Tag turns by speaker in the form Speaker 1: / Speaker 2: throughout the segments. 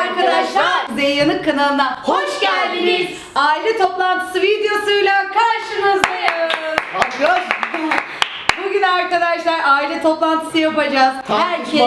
Speaker 1: arkadaşlar, Kuzey Yanık kanalına hoş geldiniz. Aile toplantısı videosuyla karşınızdayız. Bugün arkadaşlar aile toplantısı yapacağız. Herkes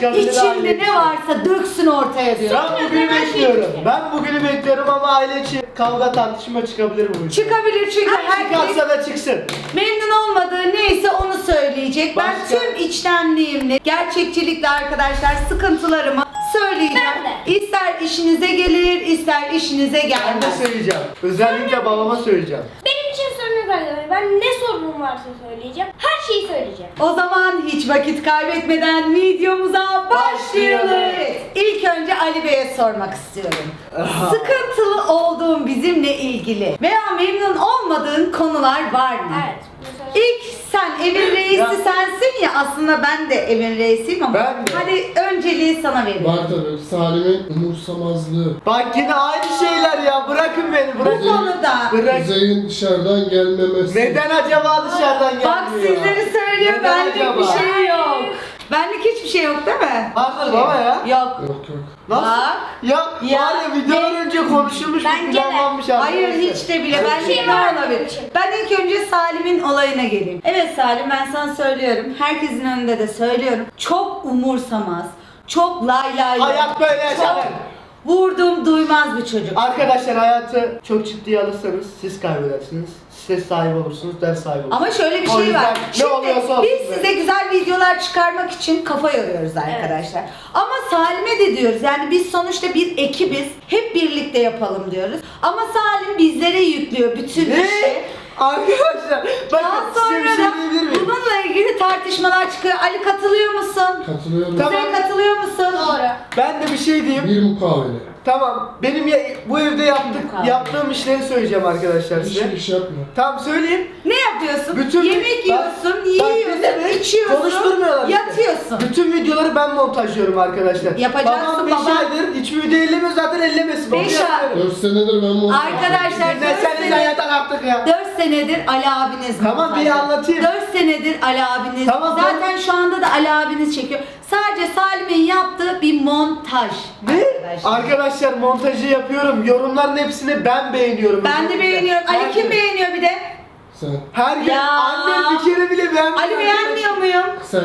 Speaker 1: içinde ne varsa döksün ortaya diyor.
Speaker 2: Ben bugünü bekliyorum. Ben bugünü bekliyorum ama aile içi kavga tartışma çıkabilir bu.
Speaker 1: Çıkabilir çünkü herkes
Speaker 2: Çıkarsa da çıksın.
Speaker 1: memnun olmadığı neyse onu söyleyecek. Ben
Speaker 2: Başka?
Speaker 1: tüm içtenliğimle, gerçekçilikle arkadaşlar sıkıntılarımı söyleyeceğim. İster işinize gelir, ister işinize
Speaker 2: Ben de
Speaker 1: gelmez.
Speaker 2: söyleyeceğim. Özellikle babama söyleyeceğim.
Speaker 3: Benim için sorun yok arkadaşlar. Ben ne sorunum varsa söyleyeceğim. Her şeyi söyleyeceğim.
Speaker 1: O zaman hiç vakit kaybetmeden videomuza başlayalım.
Speaker 2: Başlayalım.
Speaker 1: İlk önce Ali Bey'e sormak istiyorum. Sıkıntılı olduğun bizimle ilgili veya memnun olmadığın konular var mı?
Speaker 3: Evet. Mesela
Speaker 1: İlk sen evin reisi
Speaker 2: Ya.
Speaker 1: sensin ya, aslında ben de evin reisiyim ama
Speaker 2: Ben de.
Speaker 1: hadi önceliği sana vereyim.
Speaker 4: Var tabii. Salim'in umursamazlığı.
Speaker 2: Bak yine aynı şeyler ya. Bırakın beni.
Speaker 1: Bu
Speaker 2: Bırakın.
Speaker 1: konuda
Speaker 2: Bırak.
Speaker 4: Kuzey'in dışarıdan gelmemesi.
Speaker 2: Neden acaba dışarıdan gelmiyor?
Speaker 1: bak sizleri söylüyor,
Speaker 2: Neden
Speaker 1: benlik
Speaker 2: acaba?
Speaker 1: bir şey yok. Benlik hiçbir şey yok değil mi?
Speaker 2: Vardır baba ya.
Speaker 1: Yok.
Speaker 4: Yok yok.
Speaker 2: Nasıl?
Speaker 1: Bak.
Speaker 2: Ya,
Speaker 1: Ya.
Speaker 2: var ya videodan önce konuşulmuş bir
Speaker 3: Bence de.
Speaker 2: planlanmış
Speaker 1: Hayır
Speaker 2: arkadaşlar.
Speaker 1: hiç de bile.
Speaker 2: Öyle
Speaker 1: Ben
Speaker 2: bir şey
Speaker 1: ne
Speaker 3: var
Speaker 1: olabilir?
Speaker 3: benim için.
Speaker 1: Ben ilk önce Salim'in olayına geleyim. Evet Salim, ben sana söylüyorum. Herkesin önünde de söylüyorum. Çok umursamaz. Çok lay lay.
Speaker 2: Hayat böyle yaşanır.
Speaker 1: Çok vurdum duymaz bir çocuk.
Speaker 2: Arkadaşlar hayatı çok ciddiye alırsanız siz kaybedersiniz. Siz sahibi olursunuz, ders sahibi olursunuz.
Speaker 1: Ama şöyle bir
Speaker 2: O
Speaker 1: şey
Speaker 2: yüzden
Speaker 1: var.
Speaker 2: ne oluyorsa olsun
Speaker 1: biz
Speaker 2: be.
Speaker 1: size güzel videolar çıkarmak için kafa yoruyoruz arkadaşlar. Ama Salim'e de diyoruz. Yani biz sonuçta bir ekibiz. Hep birlikte yapalım diyoruz. Ama Salim bizlere yüklüyor bütün
Speaker 2: Ne?
Speaker 1: işi.
Speaker 2: Arkadaşlar
Speaker 1: Daha
Speaker 2: bakın size bir
Speaker 1: sonra
Speaker 2: şey
Speaker 1: da
Speaker 2: diyebilir miyim?
Speaker 1: bununla ilgili tartışmalar çıkıyor. Ali katılıyor musun?
Speaker 4: Katılıyorum.
Speaker 2: Tamam.
Speaker 1: Kuzey katılıyor musun?
Speaker 3: doğru.
Speaker 2: Ben de bir şey diyeyim.
Speaker 4: Bir mukavele.
Speaker 2: Tamam. Benim bu evde
Speaker 1: Mukavele.
Speaker 2: yaptığım işleri söyleyeceğim arkadaşlar size.
Speaker 4: Hiçbir iş yapma.
Speaker 2: Tamam söyleyeyim.
Speaker 1: Ne yapıyorsun?
Speaker 2: Bütün
Speaker 1: Yemek
Speaker 2: bak-
Speaker 1: yiyorsun,
Speaker 2: bak
Speaker 1: yiyorsun,
Speaker 2: dinle,
Speaker 1: içiyorsun,
Speaker 2: konuşturmuyorlar işte.
Speaker 1: yatıyorsun.
Speaker 2: Bütün videoları ben montajlıyorum arkadaşlar.
Speaker 1: Yapacaksın
Speaker 2: Babam 5
Speaker 1: baba.
Speaker 2: aydır hiçbir video ellemiyor zaten ellemesin.
Speaker 1: Beş
Speaker 2: Onu
Speaker 1: ay.
Speaker 2: yapıyorum.
Speaker 4: 4 senedir ben montaj
Speaker 1: Arkadaşlar
Speaker 2: Ne sen zaten artık ya.
Speaker 1: 4 senedir Ali abiniz
Speaker 2: Tamam,
Speaker 1: montaj
Speaker 2: bir anlatayım.
Speaker 1: 4 senedir Ali abiniz.
Speaker 2: Tamam,
Speaker 1: Zaten şu anda da Ali abiniz çekiyor. Sadece Salim'in yaptığı bir montaj.
Speaker 2: Ne?
Speaker 1: Arkadaşlar.
Speaker 2: Arkadaşlar montajı yapıyorum. Yorumların hepsini ben beğeniyorum.
Speaker 1: Ben de
Speaker 2: özellikle.
Speaker 1: beğeniyorum. Ali
Speaker 2: Her
Speaker 1: kim
Speaker 2: gün.
Speaker 1: beğeniyor bir de?
Speaker 4: Sen.
Speaker 2: Her gün
Speaker 1: Ya.
Speaker 2: annem bir kere bile beğenmiyor.
Speaker 1: Ali beğenmiyor muyum?
Speaker 4: Sen.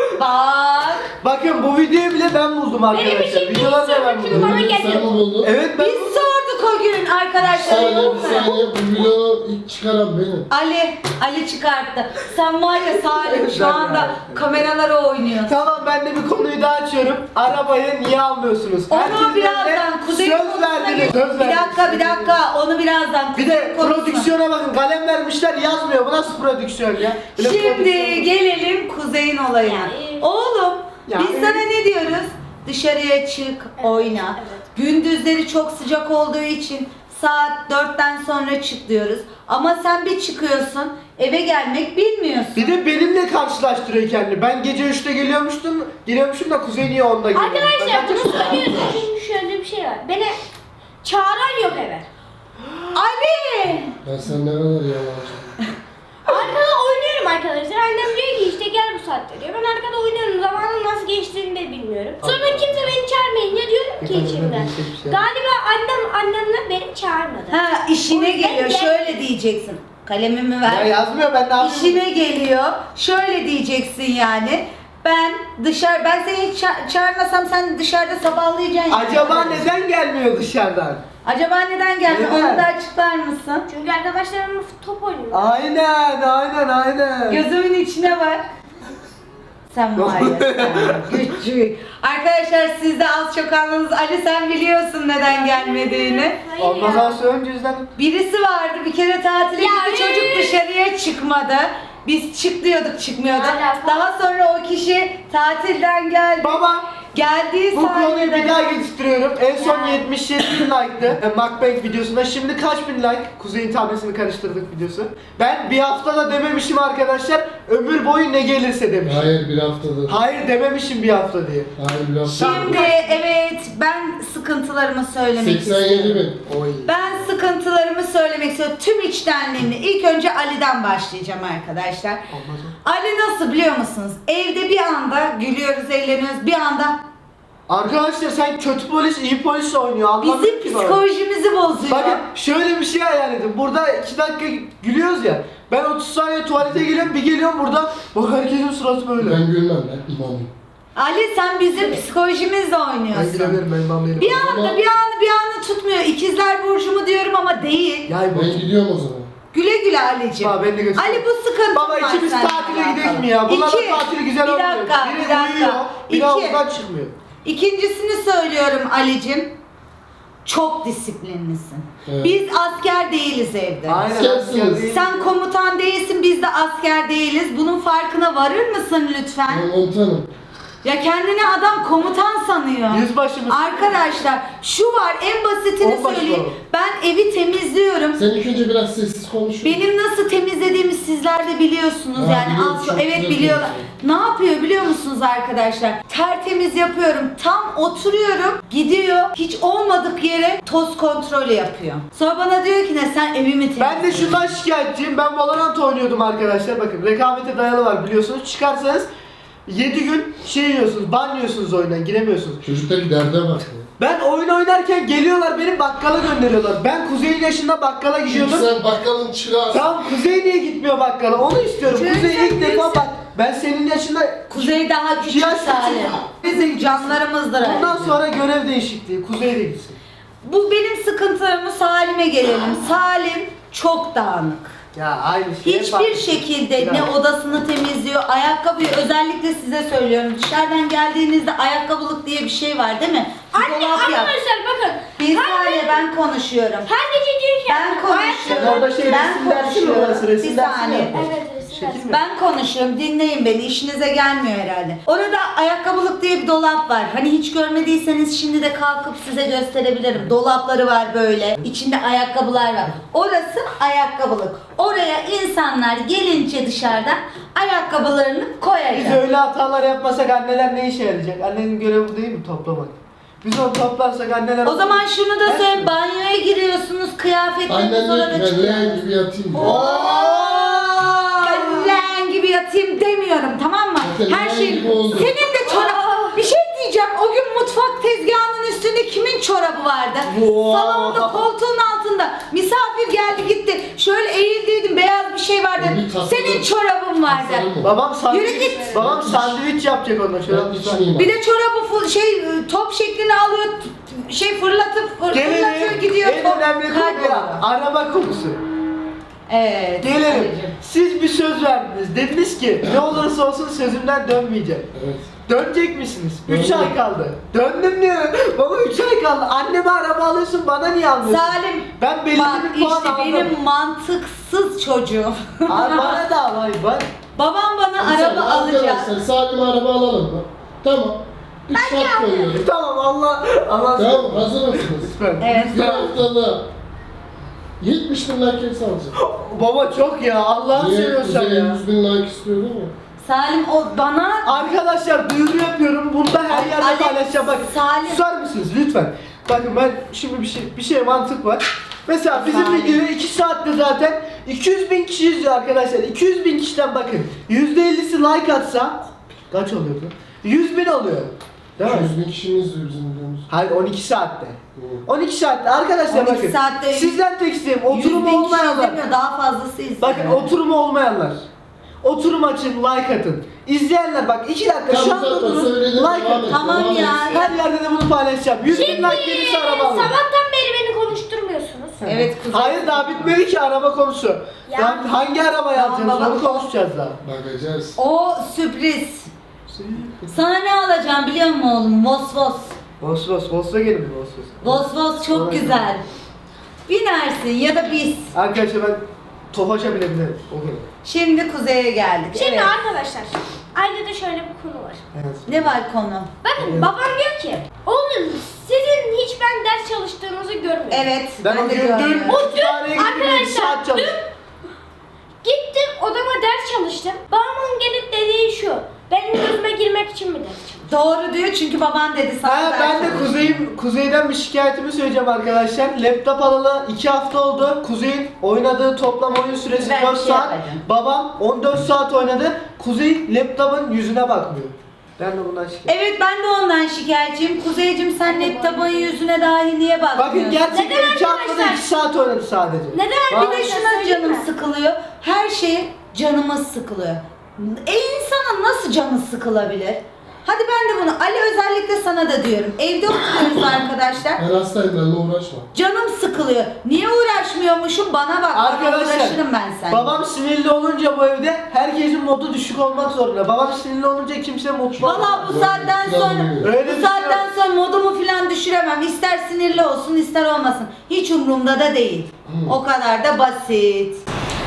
Speaker 1: Bak.
Speaker 2: Bakın bu videoyu bile ben buldum arkadaşlar.
Speaker 3: Benim için
Speaker 2: Videoları da ben
Speaker 3: değil,
Speaker 2: buldum.
Speaker 3: bana
Speaker 4: Sen
Speaker 3: geliyor.
Speaker 4: mi buldun?
Speaker 2: Evet ben
Speaker 1: Biz sorduk o gün arkadaşlar.
Speaker 4: Saniye
Speaker 1: Yok
Speaker 4: bir
Speaker 1: mu?
Speaker 4: saniye. Bu vlogu ilk çıkaran benim.
Speaker 1: Ali çıkarttı. Sen var ya Salim şu anda kameralara oynuyorsun.
Speaker 2: Tamam, ben de bir konuyu daha açıyorum. Arabayı niye almıyorsunuz?
Speaker 1: Onu
Speaker 2: Herkesin
Speaker 1: birazdan
Speaker 2: önünde
Speaker 1: Kuzey
Speaker 2: söz
Speaker 1: konusuna
Speaker 2: verdiniz.
Speaker 1: geç.
Speaker 2: Söz
Speaker 1: Bir dakika onu birazdan
Speaker 2: Bir
Speaker 1: Kuzey
Speaker 2: de
Speaker 1: konusuna.
Speaker 2: prodüksiyona bakın. Kalem vermişler yazmıyor. Bu nasıl prodüksiyon ya? Bir de
Speaker 1: Şimdi
Speaker 2: prodüksiyon-
Speaker 1: gelelim Kuzey'in olayına.
Speaker 3: Yani-
Speaker 1: Oğlum
Speaker 2: Yani-
Speaker 1: biz sana ne diyoruz? Dışarıya çık, oyna.
Speaker 3: evet.
Speaker 1: Gündüzleri çok sıcak olduğu için saat 4'ten sonra çık diyoruz. Ama sen bir çıkıyorsun, eve gelmek bilmiyorsun.
Speaker 2: Bir de benimle karşılaştırıyor kendini. Ben gece 3'te geliyormuşum da Kuzey niye 10'da geliyor?
Speaker 3: Arkadaşlar bunu söylüyoruz çünkü şöyle bir şey var. Beni çağıran yok eve.
Speaker 1: Ali!
Speaker 4: Ya sen ne kadar yalancı.
Speaker 3: Arkada oynuyorum arkadaşlar. Annem diyor ki işte gel bu saatte diyor. Ben arkada oynuyorum. Zamanın nasıl geçtiğini de bilmiyorum. Sonra kimse beni çağırmayınca diyorum ki içimden. Galiba annemle beni çağırmadı.
Speaker 1: Ha, işine
Speaker 3: O yüzden
Speaker 1: geliyor.
Speaker 3: gel-
Speaker 1: Şöyle diyeceksin. Kalemimi
Speaker 2: Ya
Speaker 1: ver.
Speaker 2: yazmıyor, ben ne yapayım?
Speaker 1: İşine geliyor. Şöyle diyeceksin yani. Ben seni hiç çağırmasam sen dışarıda sabahlayacaksın.
Speaker 2: Acaba neden gelmiyor dışarıdan?
Speaker 1: Acaba neden gelmiyor?
Speaker 2: Neden?
Speaker 1: Onu da açıklar mısın?
Speaker 3: Çünkü arkadaşlarımla top oynuyorum.
Speaker 2: Aynen.
Speaker 1: Gözümün içine bak. Sen var ya sen küçük. Arkadaşlar siz de az çok anladınız. Ali sen biliyorsun neden gelmediğini.
Speaker 3: Hayır
Speaker 2: Olmaz
Speaker 3: ya.
Speaker 2: az önce yüzden.
Speaker 1: Birisi vardı bir kere tatile
Speaker 3: Ya,
Speaker 1: gitti, çocuk dışarıya çıkmadı. Biz çık diyorduk, çıkmıyordu.
Speaker 3: Alaka.
Speaker 1: Daha sonra o kişi tatilden geldi.
Speaker 2: Baba,
Speaker 1: Geldiği
Speaker 2: bu konuyu
Speaker 1: sahnede-
Speaker 2: bir daha getiriyorum. En son
Speaker 3: Ya.
Speaker 2: 77 bin like'tı Mukbang videosunda. Şimdi kaç bin like? Kuzey'in tablesini karıştırdık videosu. Ben bir haftada dememişim arkadaşlar. Ömür boyu ne gelirse demişim.
Speaker 4: Hayır bir haftadır.
Speaker 2: Hayır dememişim bir hafta diye.
Speaker 4: Hayır bir hafta.
Speaker 1: Şimdi evet ben sıkıntılarımı söylemek
Speaker 4: 87
Speaker 1: istiyorum.
Speaker 4: bin.
Speaker 2: Oy.
Speaker 1: Ben sıkıntılarımı söylemek istiyorum. Tüm içtenliğimle. İlk önce Ali'den başlayacağım arkadaşlar.
Speaker 2: Olmaz o.
Speaker 1: Ali nasıl biliyor musunuz? Evde bir anda gülüyoruz, eğleniyoruz. Bir anda
Speaker 2: Arkadaşlar sen kötü polis iyi polis oynuyor. Anlamıyorum
Speaker 1: Bizim
Speaker 2: ki bana.
Speaker 1: psikolojimizi bozuyor.
Speaker 2: Bakın şöyle bir şey hayal edin. Burada 2 dakika gülüyoruz ya. Ben 30 saniye tuvalete geliyorum, bir geliyorum buradan. Bak herkesin suratı böyle.
Speaker 4: Ben gülmem ben imamım.
Speaker 1: Ali sen bizim psikolojimizle
Speaker 2: Ben
Speaker 1: oynuyorsun.
Speaker 2: gülebilirim, ben imamlayırım.
Speaker 1: Bir anda tutmuyor. İkizler burcu mu diyorum ama değil.
Speaker 2: Yay bu.
Speaker 4: Ben gidiyorum o zaman.
Speaker 1: Güle güle Ali'ciğim.
Speaker 2: Baba ben de göster.
Speaker 1: Ali bu sıkıntı
Speaker 2: Baba
Speaker 1: var
Speaker 2: ikimiz
Speaker 1: seninle
Speaker 2: tatile
Speaker 1: alakalı.
Speaker 2: gidelim mi ya? Bunların
Speaker 1: İki.
Speaker 2: tatili güzel
Speaker 1: Bir
Speaker 2: olmuyor.
Speaker 1: dakika,
Speaker 2: Biri
Speaker 1: bir dakika.
Speaker 2: uyuyor, biri
Speaker 1: İki.
Speaker 2: havuzdan çıkmıyor.
Speaker 1: İkincisini söylüyorum Ali'cim. Çok disiplinlisin.
Speaker 4: Evet.
Speaker 1: Biz asker değiliz evde.
Speaker 2: Aynen.
Speaker 4: Askersiniz.
Speaker 2: asker değil.
Speaker 1: Sen komutan değilsin, biz de asker değiliz. Bunun farkına varır mısın lütfen?
Speaker 4: Ben komutanım.
Speaker 1: Ya kendini adam komutan sanıyor.
Speaker 2: Yüzbaşımız.
Speaker 1: Arkadaşlar şu var en basitini
Speaker 2: Onbaşı
Speaker 1: söyleyeyim.
Speaker 2: olalım.
Speaker 1: Ben evi temizliyorum.
Speaker 4: Sen ilk önce biraz sessiz konuş.
Speaker 1: Benim nasıl temizlediğimi sizler de biliyorsunuz
Speaker 4: Ha,
Speaker 1: yani
Speaker 4: biliyorum,
Speaker 1: az
Speaker 4: çok
Speaker 1: evet
Speaker 4: güzel
Speaker 1: biliyorlar.
Speaker 4: temizliyor.
Speaker 1: Ne yapıyor biliyor musunuz arkadaşlar? Tertemiz yapıyorum. Tam oturuyorum. Gidiyor. Hiç olmadık yere toz kontrolü yapıyor. Sonra bana diyor ki ne sen evimi temizle.
Speaker 2: Ben de şundan şikayetçiyim. Ben Valorant oynuyordum arkadaşlar. Bakın rekabete dayalı var biliyorsunuz. Çıkarsanız 7 gün şey yiyorsunuz, ban yiyorsunuz oyundan, giremiyorsunuz.
Speaker 4: Çocuktaki derde bak. ya.
Speaker 2: Ben oyun oynarken geliyorlar beni bakkala gönderiyorlar. Ben Kuzey'in yaşında bakkala
Speaker 4: Çünkü
Speaker 2: gidiyordum.
Speaker 4: sen bakkalın çırağısın.
Speaker 2: Tamam Kuzey niye gitmiyor bakkala? Onu istiyorum.
Speaker 1: Çünkü
Speaker 2: Kuzey
Speaker 1: sen
Speaker 2: ilk defa
Speaker 1: büyüksün.
Speaker 2: bak. Ben senin yaşında
Speaker 1: Kuzey daha küçük
Speaker 2: Yaş
Speaker 1: Salim.
Speaker 2: küçük.
Speaker 1: Bizim canlarımızdır.
Speaker 2: bundan
Speaker 1: Ali'cim.
Speaker 2: sonra görev değişikliği. Kuzey de gitsin.
Speaker 1: Bu benim sıkıntılarımı Salim'e gelelim. Salim çok dağınık.
Speaker 2: Ya aynı şey.
Speaker 1: Hiçbir şekilde ne odasını temizliyor, ayakkabıyı özellikle size söylüyorum. Dışarıdan geldiğinizde ayakkabılık diye bir şey var değil mi? Bir
Speaker 3: Anne
Speaker 1: dolap yap.
Speaker 3: arkadaşlar bakın.
Speaker 1: Bir saniye ben konuşuyorum.
Speaker 3: Her gece diyor ki
Speaker 1: Ben konuşuyorum.
Speaker 2: Sen orada şey
Speaker 1: Ben
Speaker 2: resim dersi mi
Speaker 1: konuşuyorum.
Speaker 2: orası? Resim
Speaker 1: Bir
Speaker 2: dersi mi
Speaker 1: saniye.
Speaker 2: yapıyorsun?
Speaker 3: Evet resim
Speaker 2: Şekil
Speaker 3: dersi.
Speaker 2: mi?
Speaker 1: Ben konuşuyorum. Dinleyin beni. İşinize gelmiyor herhalde. Orada ayakkabılık diye bir dolap var. Hani hiç görmediyseniz şimdi de kalkıp size gösterebilirim. Dolapları var böyle. İçinde ayakkabılar var. Orası ayakkabılık. Oraya insanlar gelince dışarıdan ayakkabılarını
Speaker 2: Biz
Speaker 1: koyacak.
Speaker 2: öyle hatalar yapmasak anneler ne işe yarayacak? Annenin görevi bu değil mi? Toplamak. Biz onu toplarsak anneler...
Speaker 1: O zaman şunu da
Speaker 2: Her
Speaker 1: söyle.
Speaker 2: şey.
Speaker 1: Banyoya giriyorsunuz. Kıyafetleriniz
Speaker 4: Annen diyor
Speaker 1: orada
Speaker 4: ki ben
Speaker 1: çıkıyor.
Speaker 4: leğen gibi yatayım diyor.
Speaker 1: Ben leğen gibi yatayım demiyorum tamam mı?
Speaker 4: Zaten
Speaker 1: Her
Speaker 4: leğen
Speaker 1: şey
Speaker 4: gibi oldu.
Speaker 1: senin de çorap. Bir şey diyeceğim. O gün mutfak tezgahının üstünde kimin çorabı vardı?
Speaker 2: Wow.
Speaker 1: Salonda koltuğun altında. Misafir geldi gitti. Şöyle eğildiydim beyaz bir şey vardı.
Speaker 4: Bir tatlı
Speaker 1: Senin
Speaker 4: da-
Speaker 1: çorabın vardı.
Speaker 4: Tasarım o.
Speaker 2: Babam
Speaker 1: Yürü
Speaker 2: sandviç,
Speaker 1: git.
Speaker 2: babam sandviç yapacak ondan sonra.
Speaker 4: Ben içmeyeyim.
Speaker 1: Bir de çorabı top şeklini alıyor. Fırlatıyor
Speaker 2: Gelelim
Speaker 1: gidiyor.
Speaker 2: en
Speaker 1: top
Speaker 2: önemli konuya.
Speaker 1: kayboluyor.
Speaker 2: Araba konusu.
Speaker 1: Evet.
Speaker 2: Gelelim.
Speaker 1: Ali'cim.
Speaker 2: Siz bir söz verdiniz. Dediniz ki ne olursa olsun sözümden dönmeyeceğim.
Speaker 4: Evet.
Speaker 2: Dönecek misiniz? 3
Speaker 4: Döndüm.
Speaker 2: ay kaldı. Döndüm diyor. Baba 3 ay kaldı. Anneme araba alıyorsun bana niye almıyorsun?
Speaker 1: Salim
Speaker 2: Ben belli
Speaker 1: bak
Speaker 2: bir puan
Speaker 1: işte
Speaker 2: aldım.
Speaker 1: benim mantıksız çocuğum.
Speaker 2: Abi bana da al hayır bak.
Speaker 1: Babam bana
Speaker 4: Mesela
Speaker 1: araba alacak.
Speaker 4: Arkadaşlar Salim'e araba alalım mı? Tamam. Bir şart koyuyorum.
Speaker 2: Tamam Allah.
Speaker 4: Tamam hazır mısınız?
Speaker 2: Lütfen.
Speaker 1: Evet.
Speaker 4: Bir haftada 70 bin like hepsi alacak.
Speaker 2: Baba çok ya Allah'ını
Speaker 4: Niye
Speaker 2: seviyorsan
Speaker 4: Kuzey'e
Speaker 2: ya.
Speaker 4: 100 bin like istiyor değil mi?
Speaker 1: Salim o bana
Speaker 2: Arkadaşlar duyuru yapıyorum. Bunda her
Speaker 1: Ay,
Speaker 2: yerde
Speaker 1: Alex,
Speaker 2: paylaşacağım. Bak
Speaker 1: Salim.
Speaker 2: susar mısınız lütfen? Bakın ben şimdi bir şey mantık var. Mesela bizim
Speaker 1: Salim.
Speaker 2: videoyu 2 saatte zaten 200 bin kişi izliyor arkadaşlar. 200 bin kişiden bakın. %50'si like atsa kaç oluyordu? 100 bin oluyor. Değil mi?
Speaker 4: 100 bin kişinin izliyor bizim videomuzu.
Speaker 2: Hayır 12 saatte.
Speaker 4: Hı.
Speaker 2: 12 saatte arkadaşlar
Speaker 1: 12
Speaker 2: bakın.
Speaker 1: saatte
Speaker 2: Sizden tek isteğim
Speaker 1: 100
Speaker 2: oturumu
Speaker 1: bin kişi
Speaker 2: olmayanlar.
Speaker 1: izlemiyor, daha fazlası izliyor.
Speaker 2: Bakın oturumu olmayanlar. Oturum açın, like atın. İzleyenler bak 2 dakika şu
Speaker 4: Tamam,
Speaker 2: an
Speaker 4: zaten
Speaker 2: durun.
Speaker 4: söyledim,
Speaker 2: Like
Speaker 4: devam
Speaker 2: atın.
Speaker 4: et,
Speaker 1: Tamam
Speaker 4: devam
Speaker 1: ya.
Speaker 4: et.
Speaker 2: Her yerde de bunu paylaşacağım. 100 bin like gelirse araba alırım.
Speaker 3: Sabahtan beri beni konuşturmuyorsunuz.
Speaker 1: Evet kuzey.
Speaker 2: Hayır daha bitmedi ki araba konusu.
Speaker 3: Ya.
Speaker 2: Lan hangi arabayı
Speaker 1: Tamam,
Speaker 2: alacağız
Speaker 1: baba.
Speaker 2: onu konuşacağız daha.
Speaker 4: Bakacağız.
Speaker 1: O sürpriz. Sana ne alacağım biliyor musun oğlum? Vosvos.
Speaker 2: Volkswagen mi Volkswagen?
Speaker 1: Vosvos çok güzel. Binersin ya da biz.
Speaker 2: Arkadaşlar ben Tofaş'a bile binerim. O kadar.
Speaker 1: Şimdi kuzeye geldik.
Speaker 3: Şimdi
Speaker 1: Evet.
Speaker 3: arkadaşlar ailede şöyle bir konu var.
Speaker 2: Evet.
Speaker 1: Ne var konu?
Speaker 3: Bakın
Speaker 2: Evet.
Speaker 3: babam diyor ki oğlum sizin hiç ben ders çalıştığınızı görmüyorum.
Speaker 1: Evet.
Speaker 2: Ben o
Speaker 1: de
Speaker 2: gün dün
Speaker 1: görüyorum.
Speaker 3: O dün
Speaker 2: kütüphaneye gittim, bir
Speaker 3: arkadaşlar,
Speaker 2: saat çalıştım.
Speaker 3: Gittim odama ders çalıştım. Babamın gelip dediği şu. Benim gözüme girmek için mi ders çalıştın?
Speaker 1: Doğru diyor çünkü baban dedi sana.
Speaker 2: Ha,
Speaker 1: ders
Speaker 2: ben de
Speaker 1: çalışıyor.
Speaker 2: Kuzey'den bir şikayetimi söyleyeceğim arkadaşlar. Laptop alalı 2 hafta oldu. Kuzey'in oynadığı toplam oyun süresi
Speaker 1: Ben
Speaker 2: 4
Speaker 1: bir şey
Speaker 2: saat.
Speaker 1: yapacağım.
Speaker 2: Babam 14 saat oynadı. Kuzey laptopun yüzüne bakmıyor. Ben de bundan şikayet.
Speaker 1: Evet ben de ondan şikayetçiyim. Kuzeycim sen net tabanın yüzüne dahi niye bakmıyorsun?
Speaker 2: Bakın gerçekten
Speaker 3: Neden
Speaker 2: 2 haftada
Speaker 3: arkadaşlar?
Speaker 2: 2 saat oynadı sadece.
Speaker 3: Neden
Speaker 1: Bir de şuna canım sıkılıyor. Her şey canımız sıkılıyor. İnsanın nasıl canı sıkılabilir? Hadi ben de bunu Ali özellikle sana da diyorum. Evde oturuyoruz arkadaşlar.
Speaker 4: Ben hastayım, benimle uğraşma.
Speaker 1: Canım sıkılıyor. Niye uğraşmıyormuşum? Bana bak.
Speaker 2: Arkadaşlar,
Speaker 1: uğraşırım ben seninle.
Speaker 2: babam sinirli olunca bu evde herkesin modu düşük olmak zorunda. Babam sinirli olunca kimse mutlu olmaz.
Speaker 1: Valla bu saatten sonra
Speaker 2: Öyle
Speaker 1: bu saatten sonra modumu falan düşüremem. İster sinirli olsun ister olmasın. Hiç umurumda da değil. O kadar da basit.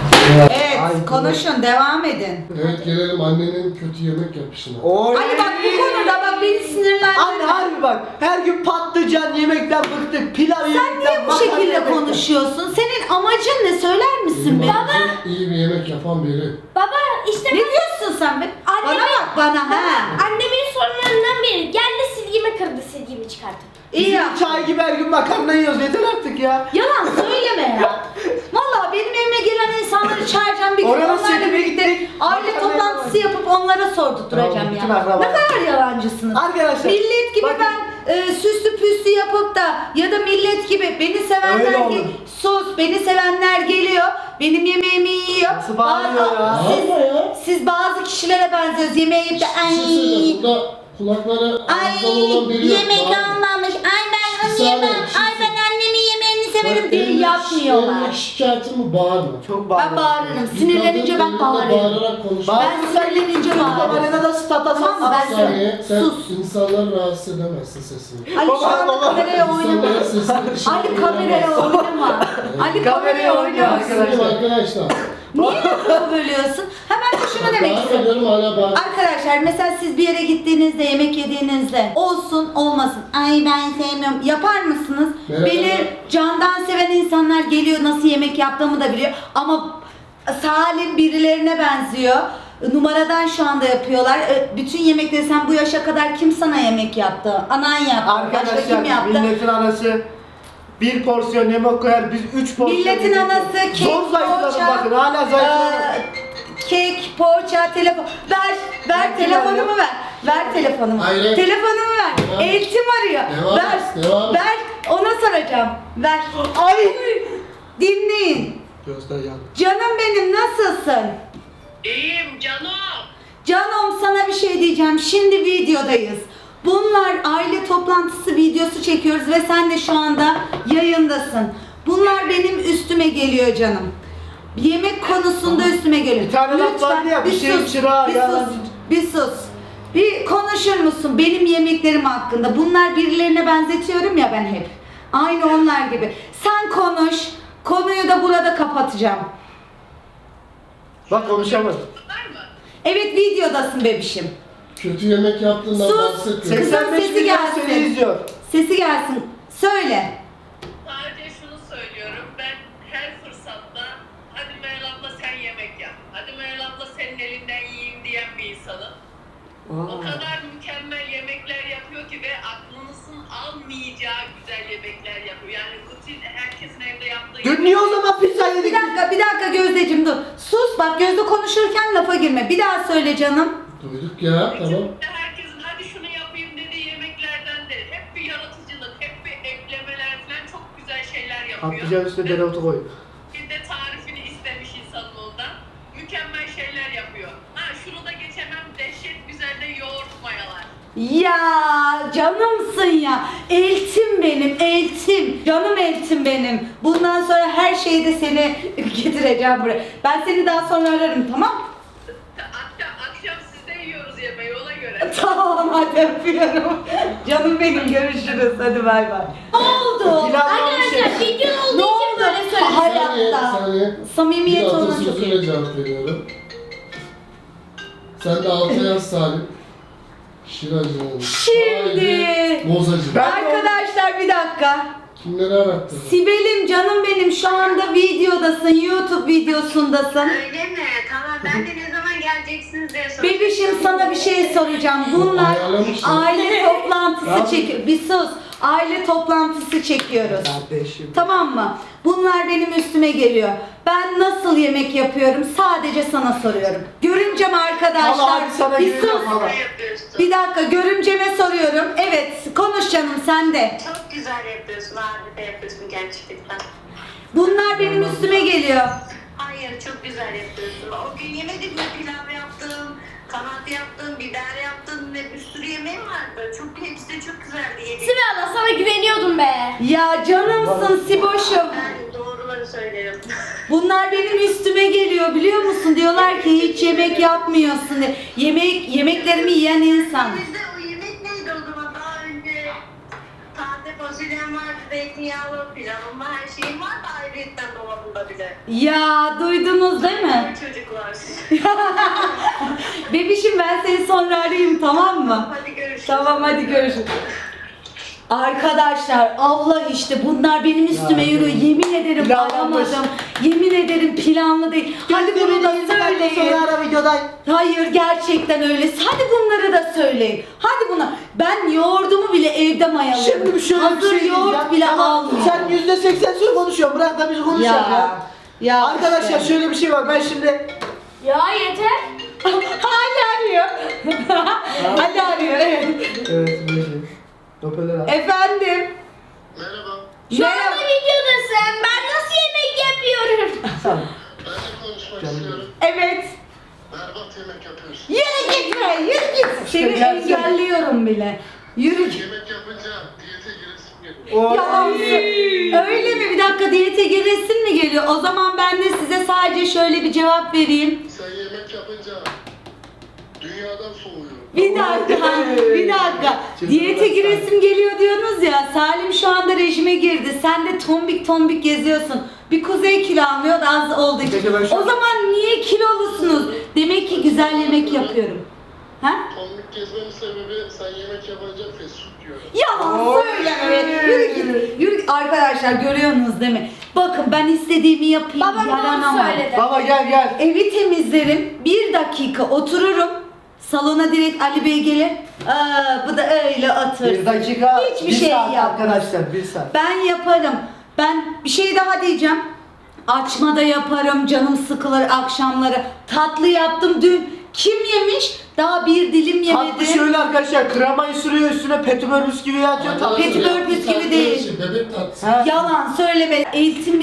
Speaker 1: Evet
Speaker 2: Ay,
Speaker 1: konuşun devam edin.
Speaker 4: Evet, gelelim annenin kötü yemek yapışına.
Speaker 2: Oy.
Speaker 1: Ali bak bu konuda bak beni
Speaker 2: Anne
Speaker 1: sinirlendirme.
Speaker 2: harbi bak, her gün patlıcan yemekten bıktık, pilav
Speaker 1: Sen
Speaker 2: yemekten,
Speaker 1: niye bu
Speaker 2: makarna
Speaker 1: şekilde
Speaker 2: yemekten.
Speaker 1: konuşuyorsun? Senin amacın ne söyler misin be?
Speaker 4: İyi bir yemek yapan biri.
Speaker 3: Baba işte
Speaker 1: Ne diyorsun sen be? Bana
Speaker 3: Annemin-
Speaker 1: bak bana ha.
Speaker 3: annemin sorunlarından biri. Geldi silgimi kırdı, silgimi çıkarttı.
Speaker 1: İyi
Speaker 2: Bizim
Speaker 1: ya.
Speaker 2: çay gibi her gün makarna yiyoruz, yeter artık ya.
Speaker 1: Yalan söyleme ya. Valla benim evime gelen insanları çağıracağım bir gün
Speaker 2: Oranın
Speaker 1: onlarla
Speaker 2: setine
Speaker 1: birlikte
Speaker 2: gittik.
Speaker 1: aile
Speaker 2: Makarna
Speaker 1: toplantısı yapıp onlara sordurtturacağım
Speaker 2: Tamam, bütün
Speaker 1: ya.
Speaker 2: akrabalar.
Speaker 1: Ne kadar yalancısınız.
Speaker 2: Arkadaşlar,
Speaker 1: Millet gibi
Speaker 2: bakın.
Speaker 1: ben süslü püslü yapıp da ya da millet gibi beni
Speaker 2: Öyle
Speaker 1: sevenler
Speaker 2: olur.
Speaker 1: sus beni sevenler geliyor benim yemeğimi yiyor.
Speaker 2: Nasıl bağırıyor ya?
Speaker 4: Bağırma ya.
Speaker 1: Siz bazı kişilere benziyoruz yemeği yiyip de
Speaker 4: Bir şey söyleyeceğim,
Speaker 1: ay
Speaker 4: burada kulakları
Speaker 1: ay
Speaker 4: ağızdan olan biri yok.
Speaker 1: yemek
Speaker 4: Bağırma.
Speaker 1: almamış ay ben
Speaker 4: Bir
Speaker 1: onu
Speaker 4: saniye,
Speaker 1: yemem
Speaker 4: bir şey
Speaker 1: ay ben annemin yemeğini severim
Speaker 4: Bak,
Speaker 1: diye
Speaker 4: evlilik-
Speaker 1: yapmıyorlar.
Speaker 4: evlilik şikayetin mi? Bağırma.
Speaker 2: Çok bağırıyor.
Speaker 1: Ben bağırırım.
Speaker 4: Bir
Speaker 1: Sinirlenince
Speaker 4: kadın
Speaker 1: ben
Speaker 4: evinde
Speaker 1: bağırırım.
Speaker 4: Bağırarak konuşuyor.
Speaker 1: Ben sinirlenince bağırırım.
Speaker 2: Kamerada stata
Speaker 1: Tamam mı? Ben
Speaker 4: Saniye, sen
Speaker 1: sus.
Speaker 4: insanları rahatsız edemezsin sesini.
Speaker 1: Ali şu anda
Speaker 2: Baba.
Speaker 1: kameraya oynama.
Speaker 4: İnsanların sesini dışarı
Speaker 1: Ali kameraya oynama. Ali kameraya
Speaker 2: Kameraya oynuyor
Speaker 1: oynuyorsun.
Speaker 4: Arkadaşlar.
Speaker 1: Niye lafımı bölüyorsun? Hemen de şunu demek
Speaker 4: Bağırma
Speaker 1: istiyorum.
Speaker 4: diyorum, hala bağır.
Speaker 1: Arkadaşlar mesela siz bir yere gittiğinizde yemek yediğinizde olsun olmasın ay ben sevmiyorum yapar mısınız?
Speaker 4: Merhaba.
Speaker 1: Beni candan seven insanlar geliyor nasıl yemek yaptığımı da biliyor ama Salim birilerine benziyor. Numaradan şu anda yapıyorlar. Bütün yemekleri sen bu yaşa kadar kim sana yemek yaptı? Anan yaptı. Başka kim
Speaker 2: Arkadaşlar,
Speaker 1: yaptı?
Speaker 2: milletin anası bir porsiyon yemek koyar, biz 3 porsiyon
Speaker 1: Milletin
Speaker 2: yemek
Speaker 1: anası
Speaker 2: yiyoruz.
Speaker 1: kek,
Speaker 2: Zor zayıfladım
Speaker 1: poğaça,
Speaker 2: bakın, hala zayıfladım.
Speaker 1: Kek, poğaça, telefon. Ver
Speaker 2: Ben
Speaker 1: telefonumu ver. Ver telefonumu.
Speaker 4: Hayır.
Speaker 1: Telefonumu ver.
Speaker 4: Devam.
Speaker 1: Eltim arıyor.
Speaker 4: Devam
Speaker 1: ver.
Speaker 4: et, devam et.
Speaker 1: Ver. Ona soracağım. Ver. Ay. Dinleyin.
Speaker 2: Gözler yandı.
Speaker 1: Canım benim nasılsın?
Speaker 5: İyiyim canım.
Speaker 1: Canım sana bir şey diyeceğim. Şimdi videodayız. Bunlar aile toplantısı videosu çekiyoruz ve sen de şu anda yayındasın. Bunlar benim üstüme geliyor canım. Yemek konusunda üstüme geliyor.
Speaker 2: Bir tane laf vardı ya, bir şeyin çırağı
Speaker 1: bir
Speaker 2: yalan.
Speaker 1: sus, bir sus. Bir konuşur musun benim yemeklerim hakkında? Bunlar birilerine benzetiyorum ya ben hep. Aynı onlar gibi. Sen konuş. Konuyu da burada kapatacağım.
Speaker 2: Bak konuşamadım.
Speaker 5: Var mı?
Speaker 1: Evet videodasın bebişim.
Speaker 4: Kötü yemek yaptığından
Speaker 1: Sus.
Speaker 4: bahsetmiyorum.
Speaker 1: Kızım
Speaker 2: 85
Speaker 1: sesi
Speaker 2: milyon
Speaker 1: gelsin.
Speaker 2: seni izliyor.
Speaker 1: Sesi gelsin. Söyle.
Speaker 5: Sadece şunu söylüyorum. Ben her fırsatta hadi Meral abla sen yemek yap. Hadi Meral abla senin elinden yiyeyim diyen bir insanım. O kadar mükemmel yemekler yapıyor ki ve aklınızın almayacağı güzel yemekler yapıyor. Yani rutin herkesin evde yaptığı
Speaker 2: Dün niye o zaman pizza yedik?
Speaker 1: Bir dakika Gözdeciğim dur. Sus bak Gözde konuşurken lafa girme. Bir daha söyle canım.
Speaker 4: Duyduk ya, tamam.
Speaker 5: Herkesin hadi şunu yapayım dediği yemeklerden de hep bir yaratıcılık, hep bir eklemeler falan çok güzel şeyler yapıyor.
Speaker 2: Patlıcan üstüne dereotu koy.
Speaker 5: Bir de tarifini istemiş insanın ondan. Mükemmel şeyler yapıyor. Ha şunu da geçemem, dehşet güzel de yoğurt mayalar.
Speaker 1: Ya canımsın ya. Eltim benim, eltim. Canım eltim benim. Bundan sonra her şeyde seni getireceğim buraya. Ben seni daha sonra ararım tamam?
Speaker 5: Akşam sizde yiyoruz yemeği ona göre.
Speaker 1: Tamam hadi öpüyorum. Canım benim görüşürüz. Hadi bay bay. Ne oldu?
Speaker 2: Pilav bir şey.
Speaker 3: Arkadaşlar video olduğu
Speaker 1: Ne
Speaker 3: için
Speaker 1: oldu?
Speaker 3: böyle söylüyorum.
Speaker 1: Hayatta.
Speaker 4: Saniye.
Speaker 1: Samimiyet
Speaker 4: Bir
Speaker 1: ona çok
Speaker 4: atasözüyle
Speaker 1: iyi.
Speaker 4: cevap veriyorum. Sen de altı yaz Salim. Şiracı.
Speaker 1: Şimdi.
Speaker 4: Bozacı.
Speaker 2: Ben-
Speaker 1: Arkadaşlar bir dakika.
Speaker 4: Kimleri arattın?
Speaker 1: Sibel'im canım benim şu anda videodasın. YouTube videosundasın.
Speaker 6: Öyle mi? Tamam ben de ne zaman geleceksiniz diye soruyorum.
Speaker 1: Bebişim sana bir şey soracağım. Bunlar
Speaker 4: Ayarlamışlar.
Speaker 1: aile toplantısı çekiyor. Bir sus. Aile toplantısı çekiyoruz.
Speaker 2: Kardeşim.
Speaker 1: Tamam mı? Bunlar benim üstüme geliyor. Ben nasıl yemek yapıyorum sadece sana soruyorum. Görümcem arkadaşlar.
Speaker 2: Vallahi sana
Speaker 1: Bir
Speaker 2: güveniyorum
Speaker 1: sus.
Speaker 2: valla.
Speaker 6: Ne yapıyorsun?
Speaker 1: Bir dakika görümceme soruyorum. Evet konuş canım sen de.
Speaker 6: Çok güzel yapıyorsun, harika yapıyorsun gerçekten.
Speaker 1: Bunlar benim üstüme geliyor.
Speaker 6: Hayır, çok güzel yapıyorsun. O gün yemedik mi? Pilav yaptım, kanat yaptım, biber yaptım ve bir sürü yemeğim vardı. Hepsi de çok güzeldi yedik.
Speaker 3: Sibel abla sana güveniyordum be.
Speaker 1: Ya canımsın Siboş'um.
Speaker 6: Ben doğruları söylerim.
Speaker 1: Bunlar benim üstüme geliyor biliyor musun? Diyorlar ki hiç yemek yapmıyorsun diye. Yemeklerimi yiyen insan.
Speaker 6: Bizde o yemek neydi o zaman? Daha önce taze fasulyem vardı, zeytinyağlı pilavım var, her şeyim var da ayrıyetten dolabımda bile.
Speaker 1: Ya duydunuz değil mi?
Speaker 6: Çocuklar.
Speaker 1: Bebişim ben seni sonra arayayım tamam mı?
Speaker 6: Hadi görüşürüz.
Speaker 1: Tamam hadi görüşürüz. Arkadaşlar Allah işte bunlar benim üstüme
Speaker 2: Ya,
Speaker 1: yürüyor. Yemin ederim
Speaker 2: planlanmış.
Speaker 1: aramadım. Yemin ederim planlı değil. Hadi bunu da söyleyin.
Speaker 2: Sonra ara videodan.
Speaker 1: Hayır gerçekten öyle. Hadi bunları da söyleyin. Hadi buna. Ben yoğurdumu bile evde mayalıyorum.
Speaker 2: Şimdi şöyle bir
Speaker 1: Hazır
Speaker 2: şey diyeceğim.
Speaker 1: yoğurt bile
Speaker 2: Tamam,
Speaker 1: almıyorum.
Speaker 2: sen %80 söz konuşuyorsun. Bırak da biz konuşalım ya.
Speaker 1: Ya
Speaker 2: Arkadaşlar
Speaker 1: işte.
Speaker 2: şöyle bir şey var. Ben şimdi
Speaker 3: Ya yeter.
Speaker 1: Hala arıyor. Hala arıyor evet.
Speaker 2: evet böyle. Hoparlör al.
Speaker 1: Efendim.
Speaker 7: Merhaba.
Speaker 3: Şu
Speaker 1: Merhaba.
Speaker 3: anda videodasın. Ben nasıl yemek yapıyorum?
Speaker 2: Tamam.
Speaker 7: Ben de konuşmak
Speaker 2: Canım.
Speaker 7: istiyorum.
Speaker 1: Evet.
Speaker 7: Berbat yemek yapıyorsun.
Speaker 1: Yürü gitme, yürü git. Seni
Speaker 2: gerçek.
Speaker 1: engelliyorum bile. Yürü git.
Speaker 7: Yemek yapınca diyete giresim geliyor.
Speaker 2: O
Speaker 1: Yalan. Öyle mi? Bir dakika diyete giresin mi geliyor? O zaman ben de size sadece şöyle bir cevap vereyim.
Speaker 7: Sen yemek yapınca dünyadan soğuyorum.
Speaker 1: Bir dakika, bir dakika. Diyete giresim geliyor diyorsunuz ya. Salim şu anda rejime girdi. Sen de tombik tombik geziyorsun. Bir kuzey kilo almıyor da az olduğu için.
Speaker 2: Peki ben şu-
Speaker 1: O zaman niye kilolusunuz? Demek ki güzel yemek yapıyorum. Ha?
Speaker 7: Tombik gezmemin sebebi sen yemek yapınca fast food yiyorum.
Speaker 1: Yalan
Speaker 2: Oy.
Speaker 1: söyleme. Yürü git. Yürü git. Arkadaşlar görüyorsunuz değil mi? Bakın ben istediğimi yapayım.
Speaker 3: Babam doğru
Speaker 1: yaranamam.
Speaker 3: söyledi.
Speaker 2: Baba gel.
Speaker 1: Evi temizlerim. 1 dakika otururum. Salona direkt Ali Bey gelir. Bu da öyle otur.
Speaker 2: 1 dakika.
Speaker 1: Hiçbir
Speaker 2: bir
Speaker 1: şey
Speaker 2: saat
Speaker 1: yapmaz.
Speaker 2: arkadaşlar 1 saat.
Speaker 1: Ben yaparım. Ben bir şey daha diyeceğim. Açma da yaparım. Canım sıkılır akşamları. Tatlı yaptım dün. Kim yemiş? Daha bir dilim
Speaker 2: Tatlı
Speaker 1: yemedim.
Speaker 2: şöyle arkadaşlar kremayı sürüyor üstüne petibör bisküvi atıyor. Tatlı.
Speaker 1: Petibör bisküvi değil.
Speaker 4: Bebek tatlısı.
Speaker 2: Ha.
Speaker 1: Yalan söyleme. Eltimle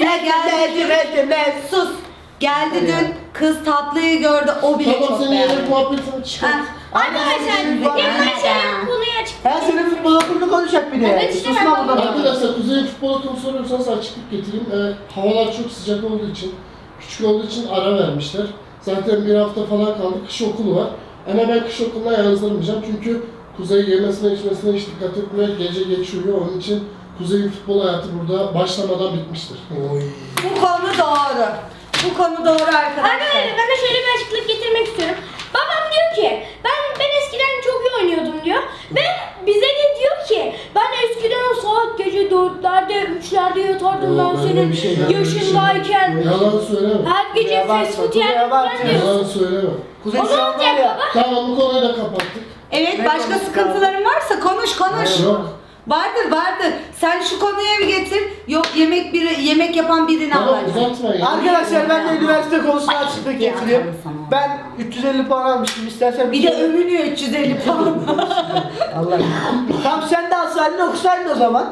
Speaker 1: geldi. Sus. Geldi
Speaker 2: Hadi ya.
Speaker 1: dün. Kız tatlıyı gördü. O bile
Speaker 4: Tamam
Speaker 1: çok
Speaker 4: senin
Speaker 1: beğendi.
Speaker 4: yemek muhabbetini çıkar.
Speaker 1: Ha.
Speaker 3: Arkadaşlar
Speaker 2: Aynen.
Speaker 3: Kemal senin konuya çık.
Speaker 2: Ha senin futbol okulunu konuşacak bir de.
Speaker 3: Evet, işte
Speaker 2: Susma
Speaker 3: ben-
Speaker 2: burada.
Speaker 4: Arkadaşlar Kuzey futbol okulu soruyorsanız açıklık getireyim. Havalar çok sıcak olduğu için, küçük olduğu için ara vermişler. Zaten bir hafta falan kaldı. Kış okulu var. Ama ben kış okuluna yazdırmayacağım çünkü Kuzey yemesine içmesine hiç dikkat etmiyor. Gece geç uyuyor. Onun için Kuzey'in futbol hayatı burada başlamadan bitmiştir.
Speaker 1: Bu konu doğru. Bu konu doğru arkadaşlar.
Speaker 3: Arkadaşlar ben de şöyle bir açıklık getirmek istiyorum. Babam diyor ki ben eskiden çok iyi oynuyordum diyor. Ve bize de diyor ki ben eskiden saat gece 4'lerde 3'lerde yatardım
Speaker 4: Yok,
Speaker 3: ben
Speaker 4: öyle
Speaker 3: senin
Speaker 4: bir şey yok.
Speaker 3: yaşındayken.
Speaker 4: Yalan söyleme.
Speaker 3: Her gece
Speaker 2: Ya bak,
Speaker 3: fast food
Speaker 2: Kuzey'e
Speaker 3: yerdim
Speaker 2: bak
Speaker 3: falan
Speaker 2: ya.
Speaker 3: diyor.
Speaker 4: Yalan söyleme.
Speaker 2: Kuzey
Speaker 3: O
Speaker 2: şu
Speaker 3: ne
Speaker 2: an var
Speaker 3: olacak
Speaker 2: ya.
Speaker 3: baba?
Speaker 4: Tamam bu konuyu da kapattık.
Speaker 1: Evet
Speaker 2: Ne
Speaker 1: başka
Speaker 2: konusu
Speaker 1: sıkıntıların varsa konuş.
Speaker 4: Yok.
Speaker 1: Vardır. Sen şu konuya bir getir. Yok yemek yapan birini
Speaker 4: Tamam
Speaker 1: alacağım.
Speaker 4: uzatma ya.
Speaker 2: Arkadaşlar ben de üniversite konusuna açıklık
Speaker 1: Ya,
Speaker 2: getireyim.
Speaker 1: tamam, sana.
Speaker 2: Ben 350 puan almıştım. İstersen
Speaker 1: Bir de övünüyor 350 puan.
Speaker 2: Allah. Tamam sen de alsaydın okusaydın o zaman.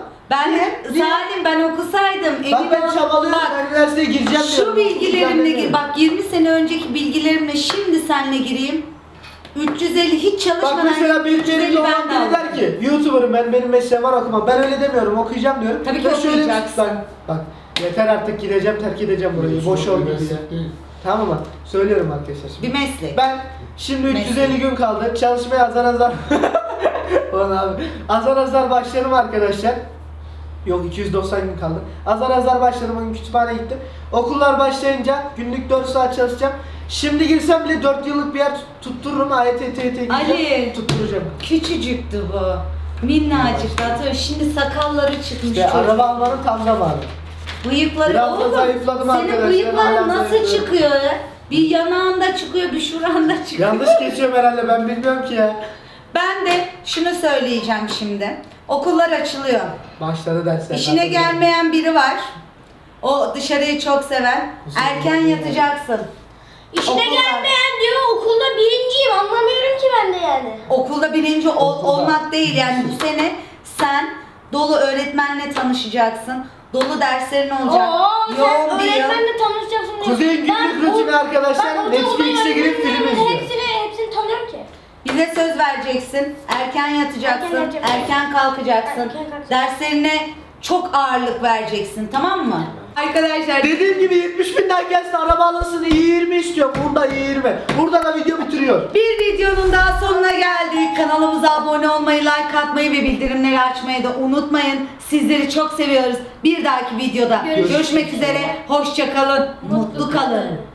Speaker 1: Ben okusaydım.
Speaker 2: Bak ben
Speaker 1: ol-
Speaker 2: çabalıyorum.
Speaker 1: Bak,
Speaker 2: Ben üniversiteye gireceğim
Speaker 1: şu
Speaker 2: diyorum.
Speaker 1: bilgilerimle
Speaker 2: Okuyacağım
Speaker 1: bak 20 sene önceki bilgilerimle şimdi seninle gireyim. 350 hiç
Speaker 2: Bak
Speaker 1: çalışmadan
Speaker 2: mesela benim
Speaker 1: 350
Speaker 2: yerimde olan
Speaker 1: ben de
Speaker 2: biri
Speaker 1: aldım.
Speaker 2: der ki YouTuber'ım benim mesleğim var okumam. Ben öyle demiyorum okuyacağım diyorum.
Speaker 1: Tabii ki
Speaker 2: Ve şöyle bir-
Speaker 1: okuyacaksın.
Speaker 2: Bak yeter artık gideceğim terk edeceğim burayı. Boş ol gibi ya.
Speaker 4: Değil.
Speaker 2: Tamam mı? Söylüyorum arkadaşlar şimdi.
Speaker 1: Bir meslek.
Speaker 2: Ben şimdi 350 gün kaldı. Çalışmaya azar Ulan abi. Azar başladım arkadaşlar. Yok 290 gün kaldı. Azar başladım. Bugün kütüphaneye gittim. Okullar başlayınca günlük 4 saat çalışacağım. Şimdi girsem bile 4 yıllık bir yer tuttururum. AYT, TYT gireceğim.
Speaker 1: Ali.
Speaker 2: Tutturacağım.
Speaker 1: Küçücüktü bu. Minnacıktı. Hatırlıyorum. Şimdi sakalları çıkmış
Speaker 2: İşte
Speaker 1: çocuk.
Speaker 2: araba almanın tam zamanı.
Speaker 1: Bıyıkları
Speaker 2: Biraz da
Speaker 1: oğlum.
Speaker 2: zayıfladım
Speaker 1: Senin
Speaker 2: arkadaşlar,
Speaker 1: bıyıkların
Speaker 2: hala
Speaker 1: nasıl
Speaker 2: zayıfladım.
Speaker 1: çıkıyor ya? Bir yanağında çıkıyor, bir şuranda çıkıyor.
Speaker 2: Yanlış geçiyorum herhalde ben bilmiyorum ki ya.
Speaker 1: Ben de şunu söyleyeceğim şimdi. Okullar açılıyor.
Speaker 2: Başladı dersler.
Speaker 1: İşine gelmeyen biri var. O dışarıyı çok seven. Erken yatacaksın.
Speaker 3: İşine
Speaker 1: Okullar.
Speaker 3: gelmeyen diyor okulda birinciyim anlamıyorum ki ben de yani.
Speaker 1: Okulda birinci
Speaker 2: Okulda.
Speaker 1: olmak değil yani bu sene sen dolu öğretmenle tanışacaksın. Dolu derslerin olacak.
Speaker 3: Oo,
Speaker 1: Yoğun
Speaker 3: sen
Speaker 1: bir yıl.
Speaker 3: öğretmenle tanışacaksın. diyor.
Speaker 2: Kuzey'in günlük rutini
Speaker 3: ben
Speaker 2: arkadaşlar
Speaker 3: okulda
Speaker 2: Netflix'e girip film
Speaker 3: öğretmenlerin
Speaker 2: izliyor.
Speaker 3: Hepsini tanıyorum ki.
Speaker 1: Bize söz vereceksin. Erken yatacaksın.
Speaker 3: Erken
Speaker 1: Erken,
Speaker 3: yatacağım.
Speaker 1: kalkacaksın.
Speaker 3: Erken kalkacağım.
Speaker 1: Derslerine çok ağırlık vereceksin. Tamam mı? Arkadaşlar
Speaker 2: Dediğim gibi 70 binden gelsin araba alınsın 20 istiyor. Burada 20. Burada da video bitiriyor.
Speaker 1: bir videonun daha sonuna geldik. Kanalımıza abone olmayı, like atmayı ve bildirimleri açmayı da unutmayın. Sizleri çok seviyoruz. Bir dahaki videoda
Speaker 3: Görüşmek
Speaker 1: görüşmek üzere. Hoşça kalın. Mutlu kalın.